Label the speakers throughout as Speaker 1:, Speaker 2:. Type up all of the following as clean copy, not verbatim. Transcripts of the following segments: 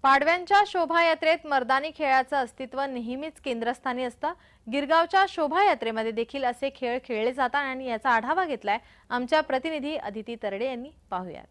Speaker 1: पाडव्यांच्या शोभायात्रेत मर्दानी खेळाचं अस्तित्व नेहमीच केंद्रस्थानी असतं। गिरगावच्या शोभायात्रेमध्ये देखील असे खेळ खेळले जातात आणि याचा आढावा घेतलाय आमच्या प्रतिनिधी अदिती तरडे यांनी। पाहूयात।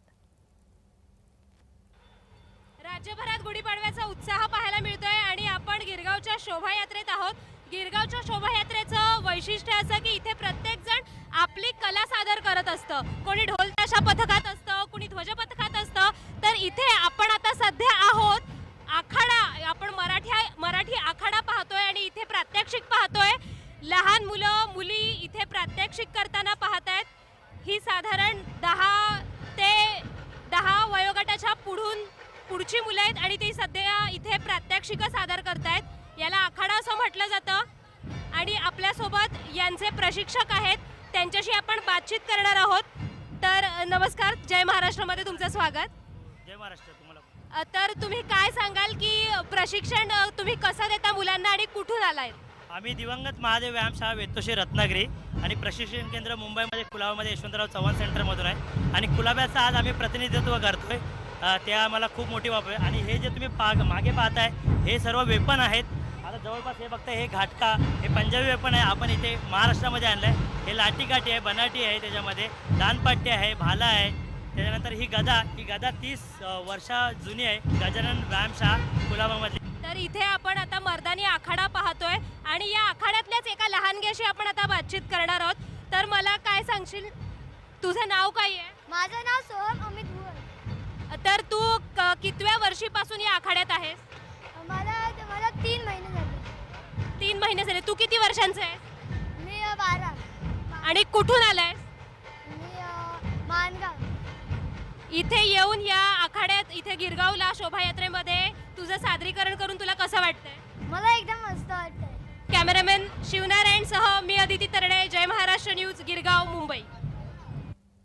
Speaker 2: राज्यभरात गुढीपाडव्याचा उत्साह पाहायला मिळतोय आणि आपण गिरगावच्या शोभायात्रेत आहोत। गिरगावच्या शोभायात्रेचं वैशिष्ट्य असं की इथे प्रत्येक जण आपली कला सादर करत असतं। कोणी ढोल ताशा पथकात असतं, कोणी ध्वज पथकात असतं। तर इथे आपण आता सध्या आहोत आखाडा, आपण मराठी आखाडा पाहतोय आणि इथे प्रात्यक्षिक पाहतोय। लहान मुलं मुली इथे प्रात्यक्षिक करताना पाहतायत। ही साधारण 10 ते 10 वयोगटाच्या पुढची मुलं आहेत आणि ती सध्या इथे प्रात्यक्षिक सादर करतायत। याला आखाडा असं म्हटलं जातं आणि आपल्यासोबत यांचे प्रशिक्षक आहेत, त्यांच्याशी आपण बातचीत करणार आहोत। तर नमस्कार, जय महाराष्ट्रमध्ये तुमचं स्वागत।
Speaker 3: जय महाराष्ट्र। तुम्हाला
Speaker 2: तर तुम्ही काय सांगाल की प्रशिक्षण तुम्ही कसं देता मुलांना आणि कुठून आलाय?
Speaker 3: आम्ही दिवंगत महादेव व्यायामशाळा वेतोशी रत्नागिरी आणि प्रशिक्षण केंद्र मुंबईमध्ये कुलाबामध्ये यशवंतराव चव्हाण सेंटरमधून आहे आणि कुलाब्याचं आज आम्ही प्रतिनिधित्व करतोय। ते आम्हाला खूप मोठी बाब आहे। आणि हे जे तुम्ही मागे पाहताय हे सर्व वेपन आहेत। आता जवळपास हे बघताय, हे घाटका, हे पंजाबी वेपन आहे, आपण इथे महाराष्ट्रामध्ये आणलं आहे। हे लाठीकाठी आहे, बनाटी आहे, त्याच्यामध्ये दानपट्टी आहे, भाला आहे, त्याच्यानंतर ही गदा 30 वर्ष जुनी आहे, गजानन व्यायामशाळा कुलाबामधली।
Speaker 2: तर इथे आपण आता मर्दानी आखाडा पाहतोय आणि या आखाड्यातल्याच एका लहानग्याशी आपण आता बातचीत करणार आहोत। तर मला काय सांगशील, तुझं नाव काय आहे?
Speaker 4: माझं नाव सोहम अमित भुवन।
Speaker 2: तर तू कितव्या वर्षीपासून या आखाड्यात आहेस?
Speaker 4: मला 3 महिने झाले।
Speaker 2: 3 महिने झाले। तू किती वर्षांचा आहेस?
Speaker 4: मी 12।
Speaker 2: आणि कुठून आलायस?
Speaker 4: मी मानगाव।
Speaker 2: इथे येऊन या आखाड्यात इथे गिरगावला शोभायात्रेमध्ये तुझं सादरीकरण करून तुला कसं वाटतंय?
Speaker 4: मला एकदम मस्त वाटतंय।
Speaker 2: कॅमेरामॅन शिवनारायण सह मी अदिती तरडे, जय महाराष्ट्र न्यूज, गिरगाव, मुंबई।